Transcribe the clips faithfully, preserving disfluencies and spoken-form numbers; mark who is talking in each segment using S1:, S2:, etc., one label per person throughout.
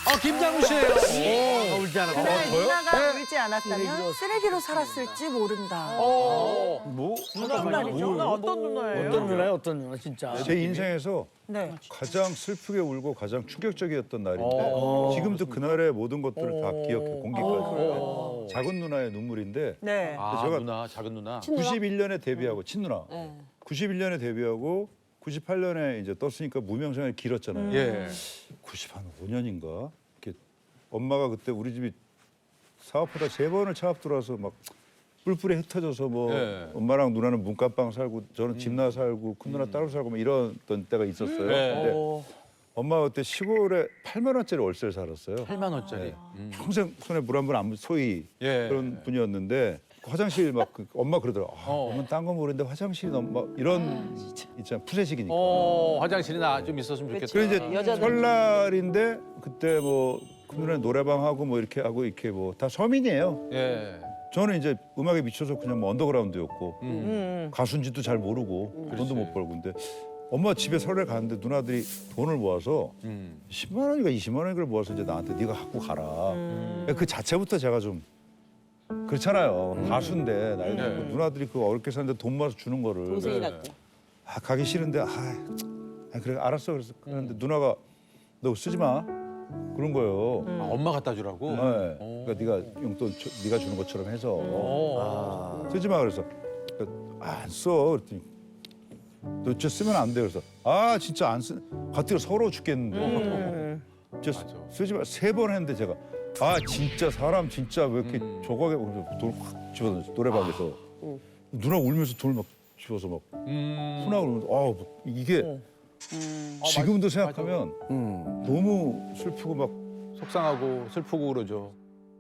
S1: 아, 김장우 씨예요. 오, 울지 않았다.
S2: 그날
S1: 어, 저요?
S2: 누나가 울지 않았다면 쓰레기로 살았을지 모른다.
S1: 어.
S3: 뭐?
S2: 무슨 말이죠?
S4: 누나 어떤 누나예요?
S3: 어떤 누나요? 어떤 누나 진짜.
S5: 제 인생에서
S2: 네.
S5: 가장 슬프게 울고 가장 충격적이었던 날인데
S1: 어.
S5: 지금도 그날의 모든 것들을 다 기억해 공기까지. 작은 누나의 눈물인데
S2: 네.
S1: 아,
S5: 제가
S1: 누나, 작은 누나.
S5: 구십일 년에 데뷔하고 친누나. 구십일 년에 데뷔하고 구십팔 년에 이제 떴으니까 무명생활이 길었잖아요.
S1: 예.
S5: 구십오 년인가 이렇게 엄마가 그때 우리 집이 사업하다 세 번을 차업 들어와서 막 뿔뿔이 흩어져서 뭐
S1: 예.
S5: 엄마랑 누나는 문간방 살고 저는 집나 살고 큰 누나 따로 살고 막 이랬던 때가 있었어요.
S1: 예.
S5: 근데 엄마가 그때 시골에 팔만 원짜리 월세를 살았어요.
S1: 팔만 원짜리.
S5: 네.
S1: 음.
S5: 평생 손에 물 한 번 안 소위
S1: 예.
S5: 그런 분이었는데 화장실 막 그 엄마 그러더라. 아,
S1: 어.
S5: 엄마는 딴 건 모르는데 화장실이 너무 막 이런 있잖아 푸세식이니까.
S1: 어, 화장실이 나 좀 있었으면 좋겠다.
S5: 그래 이제 설날인데 그때 뭐 큰누나 노래방 하고 뭐 이렇게 하고 이렇게 뭐 다 서민이에요.
S1: 예.
S5: 저는 이제 음악에 미쳐서 그냥 뭐 언더그라운드였고
S1: 음.
S5: 가수인지도 잘 모르고
S1: 그렇지.
S5: 돈도 못 벌고 근데 엄마 집에 설날 가는데 누나들이 돈을 모아서
S1: 음.
S5: 십만 원인가 이십만 원인가 모아서 이제 나한테 네가 갖고 가라. 그 자체부터 제가 좀 그렇잖아요. 가수인데 나이
S1: 네.
S5: 들고 누나들이 그 어렵게 사는데 돈 모아서 주는 거를
S4: 동생이
S1: 네.
S4: 낳고.
S5: 아 가기 싫은데 아, 아 그래 알았어 그래서 그런데 누나가 너 쓰지 마 그런 거예요.
S1: 아, 엄마 갖다 주라고?
S5: 네.
S1: 어.
S5: 그러니까 네가 용돈 줘- 네가 주는 것처럼 해서
S1: 어.
S5: 쓰지 마 그래서 안 써 그랬더니 너 진짜 쓰면 안 돼 그래서 아 진짜 안 쓰. 가뜩 서러워 죽겠는데 진짜
S1: 맞아.
S5: 쓰지 마 세 번 했는데 제가 아 진짜 사람 진짜 왜 이렇게
S1: 음.
S5: 저거하게 돈확 집어서 노래방에서 누나 울면서 돈을 막 집어서 막
S1: 음.
S5: 훈하고 그러면서 아 뭐 이게 지금도 생각하면
S3: 음.
S5: 너무 슬프고 막
S1: 속상하고 슬프고 그러죠.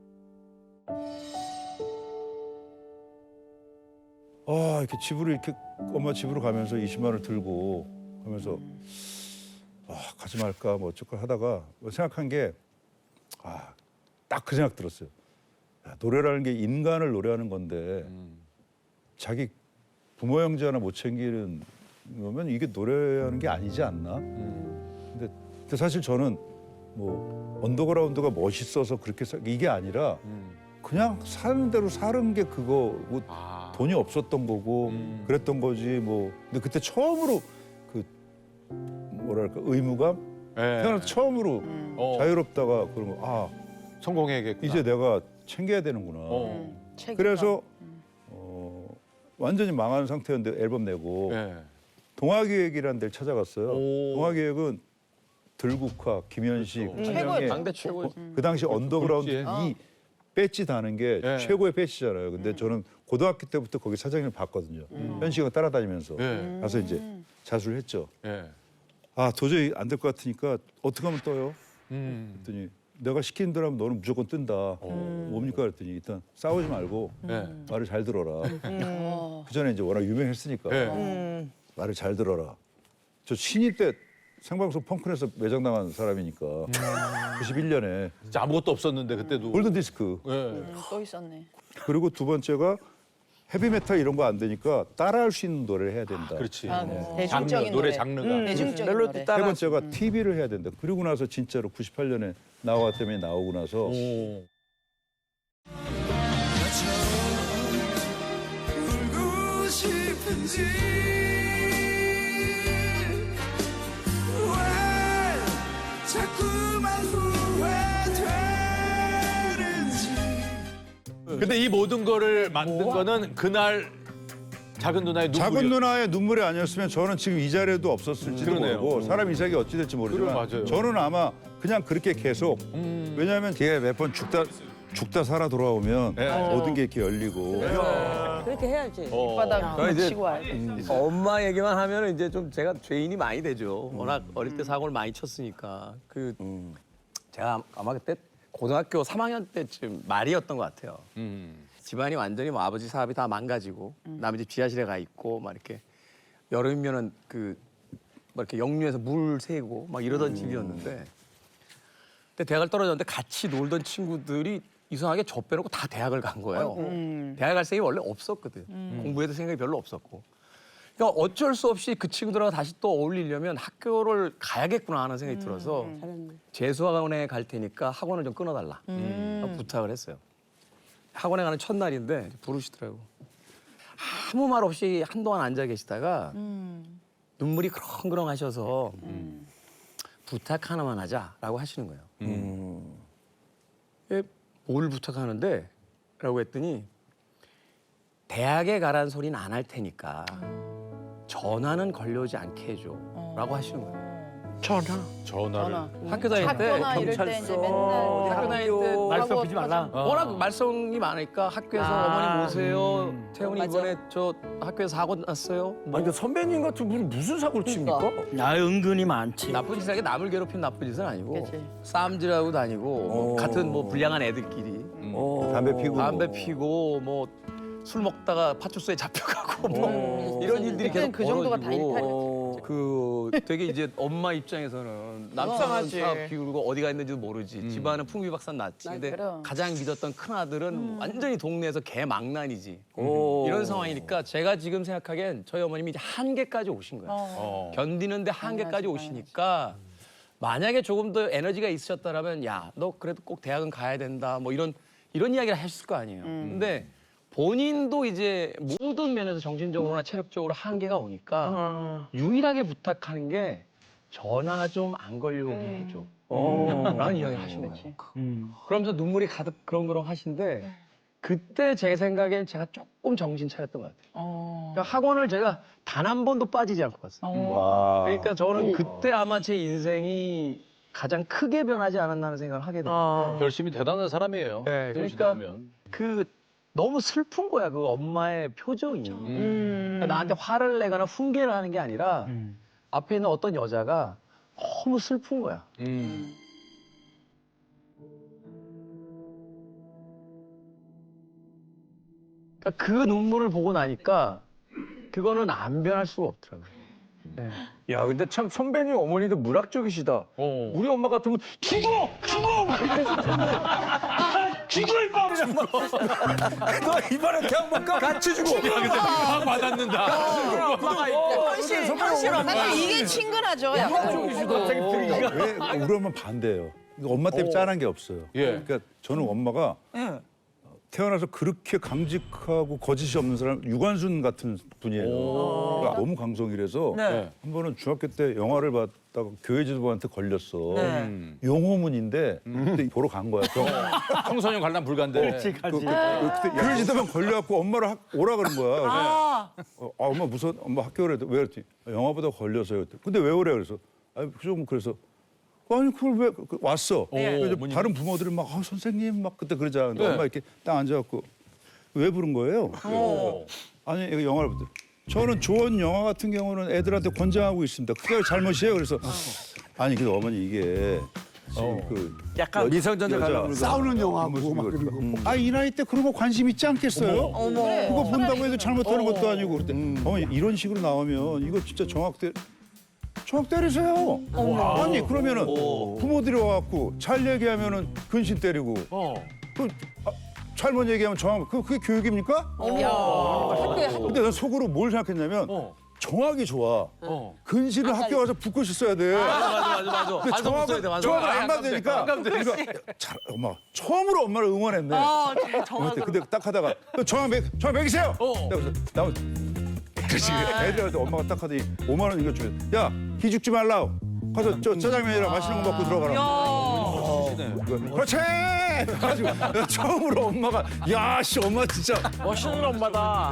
S5: 아 이렇게 집으로 이렇게 엄마 집으로 가면서 이십만 원을 들고 가면서 아 가지 말까 뭐 어쩔까 하다가 생각한 게 아 딱 그 생각 들었어요. 야, 노래라는 게 인간을 노래하는 건데
S1: 음.
S5: 자기 부모 형제 하나 못 챙기는 거면 이게 노래하는 게 아니지 않나?
S1: 음.
S5: 근데, 근데 사실 저는 뭐 언더그라운드가 멋있어서 그렇게 사, 이게 아니라
S1: 음.
S5: 그냥 사는 대로 사는 게 그거고
S1: 아.
S5: 돈이 없었던 거고
S1: 음.
S5: 그랬던 거지 뭐 근데 그때 처음으로 그 뭐랄까 의무감
S1: 예.
S5: 태어나서 처음으로
S1: 어.
S5: 자유롭다가 그런 거아
S1: 성공해야겠구나.
S5: 이제 내가 챙겨야 되는구나
S1: 어.
S5: 그래서 어, 완전히 망한 상태였는데 앨범 내고
S1: 예.
S5: 동아기획이라는 데를 찾아갔어요.
S1: 오.
S5: 동아기획은 들국화, 김현식,
S1: 그렇죠.
S5: 한영애
S3: 당대 최고의.
S5: 그 당시 언더그라운드
S1: 굴지에.
S5: 이 배지 다는 게
S1: 예.
S5: 최고의 배지잖아요. 근데 저는 고등학교 때부터 거기 사장님을 봤거든요. 현식이가 따라다니면서
S1: 예.
S5: 가서 이제 자수를 했죠.
S1: 예.
S5: 아 도저히 안 될 것 같으니까 어떻게 하면 떠요?
S1: 음.
S5: 그랬더니 내가 시키는 대로 하면 너는 무조건 뜬다. 뭡니까? 그랬더니 일단 싸우지 말고
S1: 예.
S5: 말을 잘 들어라. 그 전에 이제 워낙 유명했으니까
S1: 예.
S5: 말을 잘 들어라. 저 신입 때 생방송 펑크에서 매장당한 사람이니까 구십일 년에
S1: 진짜 아무것도 없었는데 그때도.
S5: 골든 디스크.
S1: 예.
S4: 또 있었네.
S5: 그리고 두 번째가 헤비메탈 이런 거 안 되니까 따라할 수 있는 노래를 해야 된다.
S1: 그렇지.
S4: 아,
S1: 장르,
S4: 대중적인
S1: 노래
S4: 노래.
S1: 장르가.
S4: 대중적인
S3: 멜로디
S4: 노래.
S3: 따라.
S5: 세 번째가 티비를 해야 된다. 그리고 나서 진짜로 구십팔 년에 나와 때문에 나오고 나서
S1: 오.
S6: 울고 싶은지 왜 자꾸만 후회되는지
S1: 근데 이 모든 거를 만든 거는 그날 작은 누나의 눈물이.
S5: 작은 누나의 눈물이 아니었으면 저는 지금 이 자리에도 없었을지도
S1: 그러네요.
S5: 모르고 사람 인생이 어찌 될지 모르지만
S1: 그래, 맞아요.
S5: 저는 아마 그냥 그렇게 계속
S1: 음.
S5: 왜냐하면 걔 몇 번 죽다 죽다 살아 돌아오면
S1: 네.
S5: 모든 게 이렇게 열리고
S4: 그렇게 해야지.
S1: 어.
S4: 바닥
S3: 저는 이제-
S4: 치고 와야지.
S3: 엄마 얘기만 하면 이제 좀 제가 죄인이 많이 되죠. 워낙 어릴 때 사고를 많이 쳤으니까. 그 제가 아마 그때 고등학교 삼 학년 때쯤 말이었던 것 같아요.
S1: 음.
S3: 집안이 완전히 뭐 아버지 사업이 다 망가지고 남의 집 지하실에 가 있고 막 이렇게 여름이면은 그 뭐 이렇게 역류해서 물 새고 막 이러던 집이었는데 근데 대학을 떨어졌는데 같이 놀던 친구들이 이상하게 저 빼놓고 다 대학을 간 거예요. 대학 갈 생각이 원래 없었거든. 공부에도 생각이 별로 없었고 그러니까 어쩔 수 없이 그 친구들하고 다시 또 어울리려면 학교를 가야겠구나 하는 생각이 들어서 재수학원에 갈 테니까 학원을 좀 끊어달라 부탁을 했어요. 학원에 가는 첫날인데 부르시더라고. 아무 말 없이 한동안 앉아 계시다가 눈물이 그렁그렁 하셔서 부탁 하나만 하자라고 하시는 거예요. 예, 뭘 부탁하는데? 라고 했더니 대학에 가라는 소리는 안 할 테니까 전화는 걸려오지 않게 해줘 라고 하시는 거예요.
S1: 전화를.
S4: 전화.
S3: 학교 다닐 때
S4: 학교나 이럴 때 이제 맨날
S3: 학교 다닐 때
S4: 말썽 피지 말라.
S3: 워낙 말썽이 많으니까 학교에서
S4: 아.
S3: 어머니 모세요. 태훈이
S4: 맞아.
S3: 이번에 저 학교에서 사고 났어요. 뭐
S7: 아니 그 선배님 같은 분이 무슨 사고를 칩니까?
S8: 아 은근히 많지.
S3: 나쁜 짓을 하게 남을 괴롭힌 나쁜 짓은 아니고
S4: 그치.
S3: 싸움질하고 다니고 뭐
S7: 어.
S3: 같은 뭐 불량한 애들끼리
S7: 어.
S5: 담배 피고
S3: 담배
S5: 뭐.
S3: 피고 뭐 술 먹다가 파출소에 잡혀가고 뭐 이런 일들이 계속
S4: 그때는 그 정도가 다
S3: 벌어지고
S4: 일탈이었지.
S3: 그 되게 이제 엄마 입장에서는 남편은
S4: 속상하지.
S3: 사업 비우고 어디가 있는지도 모르지 집안은 풍비박산 났지
S4: 아,
S3: 근데
S4: 그럼.
S3: 가장 믿었던 큰아들은 완전히 동네에서 개망난이지
S7: 오.
S3: 이런 상황이니까 제가 지금 생각하기엔 저희 어머님이 이제 한계까지 오신 거예요
S1: 어.
S3: 견디는데 한계까지
S4: 당연하지,
S3: 오시니까 만약에 조금 더 에너지가 있으셨다라면 야 너 그래도 꼭 대학은 가야 된다 뭐 이런 이런 이야기를 하셨을 거 아니에요 근데 본인도 이제 모든 면에서 정신적으로나 체력적으로 한계가 오니까 유일하게 부탁하는 게 전화 좀 안 걸려오게 해줘. 라는 이야기를 하신 거예요. 그러면서 눈물이 가득 그렁그렁 하신데 그때 제 생각엔 제가 조금 정신 차렸던 것 같아요.
S4: 어.
S3: 그러니까 학원을 제가 단 한 번도 빠지지 않고 갔어요.
S5: 와.
S3: 그러니까 저는 그때 아마 제 인생이 가장 크게 변하지 않았나 하는 생각을 하게 돼요.
S1: 열심히 대단한 사람이에요.
S3: 네,
S1: 태훈 씨
S3: 그러니까
S1: 보면.
S3: 그 너무 슬픈 거야 그 엄마의 표정이
S1: 음.
S3: 그러니까 나한테 화를 내거나 훈계를 하는 게 아니라 앞에 있는 어떤 여자가 너무 슬픈 거야
S1: 음.
S3: 그러니까 그 눈물을 보고 나니까 그거는 안 변할 수가 없더라고요. 네.
S7: 야 근데 참 선배님 어머니도 물학적이시다.
S1: 어.
S7: 우리 엄마 같으면 죽어! 죽어! 막 이러면서 죽어 임마! 그냥 막. 너 이번에 대학 못 가? 같이 죽어!
S1: 막 받았는다.
S2: 현실, 현실 엄마.
S4: 사실 이게 친근하죠. 약간.
S7: 갑자기 분위기가.
S5: 왜 우리 엄마 반대예요. 이거 엄마 때문에 짠한 게 없어요.
S1: 예.
S5: 그러니까 저는 엄마가 태어나서 그렇게 강직하고 거짓이 없는 사람 유관순 같은 분이에요. 그러니까 너무 강성이라서
S1: 네.
S5: 한 번은 중학교 때 영화를 봤다가 교회 지도부한테 걸렸어.
S1: 음.
S5: 용호문인데 그때 보러 간 거야. 경-
S1: 청소년 관람 불가인데.
S5: 그, 그, 그, 그때 교회 지도부만 걸려갖고 엄마를 학- 오라 그런 거야. 그래서
S2: 아,
S5: 어, 아, 엄마 무슨 엄마 학교 오래 왜 그랬지? 영화보다 걸려서요. 그랬더니. 근데 왜 오래 그래서 아니 좀 그래서 아니 그걸 왜 그- 그 왔어? 그래서
S1: 어머님.
S5: 다른 부모들은 막 아, 선생님 막 그때 그러잖아. 근데
S1: 네.
S5: 엄마 이렇게 딱 앉아갖고 왜 부른 거예요? 그래서 아니 이거 영화를 보더 저는 좋은 영화 같은 경우는 애들한테 권장하고 있습니다. 그게 잘못이에요. 그래서 아니 근데 어머니 이게 지금 그
S8: 약간 미성년자 관람
S5: 싸우는 영화고 막 그리고 아이 나이 때 그런 거 관심 있지 않겠어요? 그거 본다고 해도 잘못하는 것도 아니고 그때 어머니 이런 식으로 나오면 이거 진짜 정확 때 정확 때리세요. 아니 그러면은 부모들이 와갖고 잘 얘기하면은 근신 때리고 그 아, 잘못 얘기하면 정확 그 그게 교육입니까? 근데 난 속으로 뭘 생각했냐면 정확이 좋아. 근신을 학교 가서 붙고 있어야 돼.
S3: 맞아 맞아 맞아
S5: 근데
S3: 반성
S5: 정확을
S3: 써야 돼 맞아
S5: 정확을
S3: 맞아.
S5: 안 받으니까 그러니까 잘, 엄마 처음으로 엄마를 응원했네.
S2: 어,
S5: 근데,
S2: 정확으로.
S5: 근데 딱 하다가 정확 매 정확 매기세요. 그래서 나무 그렇지 애들한테 엄마가 딱 하더니 오만 원 이거 주면 야 기죽지 말라. 가서 저 짜장면이랑 맛있는 거 먹고 들어가라. 그렇지. 가지고 처음으로 엄마가 야씨 엄마 진짜
S8: 멋있는 엄마다.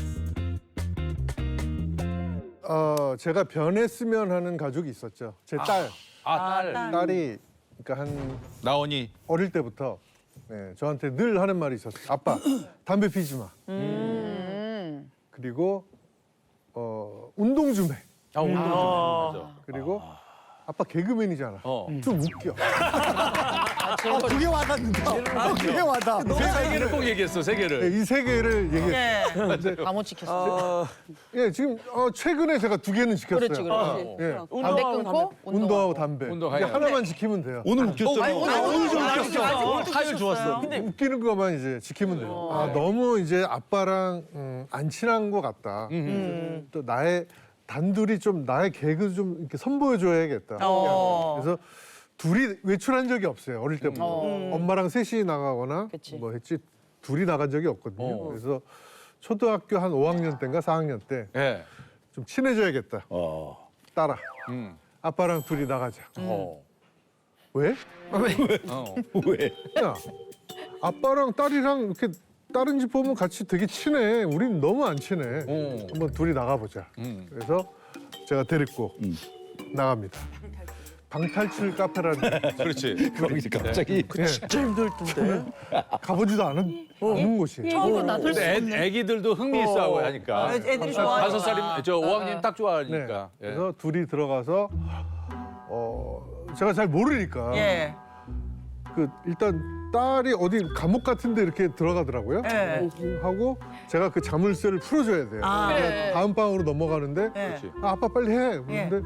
S9: 어, 제가 변했으면 하는 가족이 있었죠. 제 딸.
S1: 아, 딸.
S9: 딸이 그러니까 한
S1: 나원이.
S9: 어릴 때부터 네, 저한테 늘 하는 말이 있었어요. 아빠, 담배 피지 마.
S4: 음.
S9: 그리고 어, 운동 좀 해.
S1: 아, 운동 좀 해. 맞아.
S9: 그리고 아빠 개그맨이잖아.
S1: 어.
S9: 좀 웃겨.
S2: 그게 와닿는다. 아, 그게 와닿아.
S1: 세 개를 꼭 얘기했어, 세 개를.
S9: 이 세 개를 얘기했어요.
S4: 다 못 지켰어.
S9: 예, 지금 어, 최근에 제가 두 개는 지켰어요.
S4: 그렇지, 그렇지.
S9: 예.
S4: 담배 끊고
S9: 운동하고 담배.
S1: 운동,
S9: 이게
S1: 하여.
S9: 하나만 지키면 돼요.
S5: 오늘 웃겼잖아.
S1: 오늘 좀 웃겼어. 오늘 타율 좋았어.
S9: 웃기는 것만 이제 지키면 돼요. 아, 너무 이제 아빠랑 음, 안 친한 것 같다. 음. 또 나의 단둘이 좀 나의 개그 좀 이렇게 선보여줘야겠다.
S4: 어.
S9: 그래서 둘이 외출한 적이 없어요. 어릴 때부터. 엄마랑 셋이 나가거나
S4: 그치.
S9: 뭐 했지 둘이 나간 적이 없거든요.
S1: 어.
S9: 그래서 초등학교 한 오 학년 때인가 사 학년 때 좀
S1: 예.
S9: 친해져야겠다.
S5: 어.
S9: 따라.
S1: 음.
S9: 아빠랑 둘이 나가자.
S1: 어.
S9: 왜?
S1: 어.
S5: 왜?
S9: 야, 아빠랑 딸이랑 이렇게 다른 집 보면 같이 되게 친해. 우린 너무 안 친해.
S1: 어.
S9: 한번 둘이 나가보자.
S1: 음.
S9: 그래서 제가 데리고
S5: 음.
S9: 나갑니다. 방탈출 카페라는
S1: 그렇지.
S5: 거기 갑자기
S9: 예,
S7: 진짜 힘들 텐데.
S9: 가보지도 않은, 않은 곳이.
S4: 처음으로 나설 수
S1: 근데
S4: 없네.
S1: 애, 애기들도 흥미있어하고 하니까.
S2: 애들이
S1: 다섯
S2: 좋아하니까.
S1: 살이면 저 오 학년 딱
S9: 네.
S1: 좋아하니까. 예.
S9: 그래서 둘이 들어가서 어 제가 잘 모르니까
S2: 예.
S9: 그 일단 딸이 어디 감옥 같은데 이렇게 들어가더라고요.
S2: 예.
S9: 하고 제가 그 자물쇠를 풀어줘야 돼요.
S2: 아.
S9: 그래서
S4: 그래.
S9: 다음 방으로 넘어가는데
S2: 예.
S1: 그렇지.
S9: 아, 아빠 빨리 해. 그런데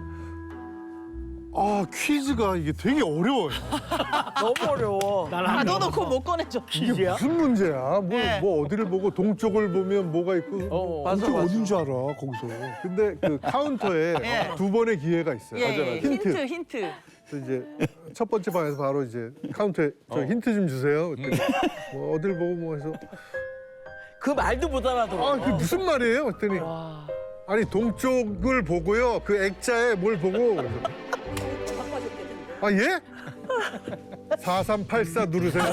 S9: 아 퀴즈가 이게 되게 어려워요.
S7: 너무 어려워.
S2: 아, 넣어놓고 못 꺼내줘.
S9: 이게 무슨 문제야? 뭐,
S2: 네.
S9: 뭐 어디를 보고 동쪽을 보면 뭐가 있고
S1: 어,
S7: 맞아,
S9: 동쪽
S7: 맞아.
S9: 어딘 줄 알아 거기서. 근데 그 카운터에
S2: 예.
S9: 두 번의 기회가 있어요.
S2: 예, 예.
S9: 힌트.
S2: 힌트, 힌트.
S9: 그래서 이제 첫 번째 방에서 바로 이제 카운터에 저 힌트 좀 주세요. 그랬더니 뭐 어딜 보고 뭐 해서
S7: 그 말도 못 알아들어.
S9: 아 그게 무슨 말이에요? 그랬더니 아니 동쪽을 보고요. 그 액자에 뭘 보고 그래서 아 예? 사삼팔사 누르세요.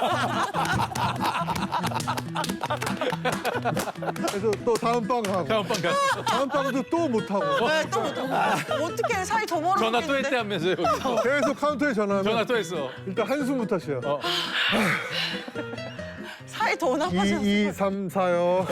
S9: 그래서 또 다음 방 하고
S1: 다음 방 가.
S9: 다음 방도 또 못 하고
S2: 네, 또, 또. 어떻게 사이 더 멀어?
S1: 전화 또 했대 하면서 여기서.
S9: 계속 카운터에 전화하면
S1: 전화 또 했어.
S9: 일단 한숨부터 쉬어.
S1: 어.
S2: 사이 더 나빠졌어.
S9: 이, 이, 삼, 사요.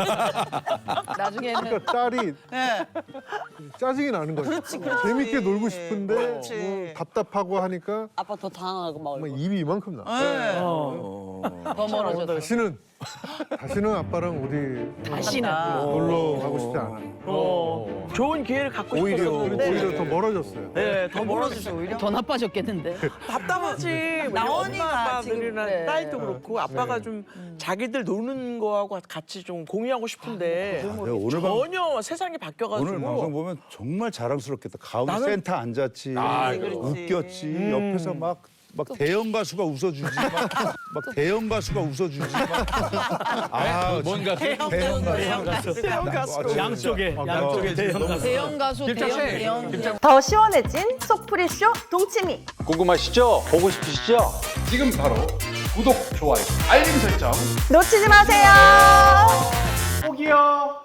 S4: 나중에는
S9: 그러니까 딸이
S2: 예.
S9: 짜증이 나는 거죠.
S2: 그렇지, 그렇지.
S9: 재밌게 놀고 싶은데
S2: 그렇지.
S9: 뭐 답답하고 하니까
S2: 아빠 더 당황하고 막.
S9: 막 입이 이만큼 나.
S2: 예.
S4: 더 멀어졌어.
S9: 다시는 다시는 아빠랑 어디
S4: 다시는.
S9: 놀러 가고 싶지 않아.
S7: 어. 좋은 기회를 갖고
S9: 오히려
S7: 싶었는데.
S9: 오히려 더 멀어졌어요.
S7: 네, 더 멀어졌어.
S2: 오히려.
S4: 더 나빠졌겠는데.
S7: 답답하지. 우리
S2: 나원이가
S7: 엄마
S2: 지금
S7: 아빠들이나
S4: 그래.
S7: 딸도 그렇고 아빠가
S9: 네.
S7: 좀 자기들 노는 거하고 같이 좀 공유하고 싶은데
S5: 내가 오늘 방
S7: 전혀 세상이 바뀌어가지고
S5: 오늘 방송 보면 정말 자랑스럽겠다. 가운데
S7: 나는-
S5: 센터 앉았지,
S1: 아,
S5: 웃겼지. 옆에서 막. 막 대형 가수가 웃어주지, 막, 막 대형 가수가 웃어주지, 막. 아,
S1: 뭔가
S5: 대형 가수.
S7: 대형 가수.
S8: 양쪽에
S5: 아,
S8: 양쪽에 대형 가수.
S4: 대형 가수, 대형, 대형.
S2: 더 시원해진 속풀이쇼 동치미.
S1: 궁금하시죠? 보고 싶으시죠? 지금 바로 구독, 좋아요, 알림 설정.
S2: 놓치지 마세요.
S1: 꼭이요.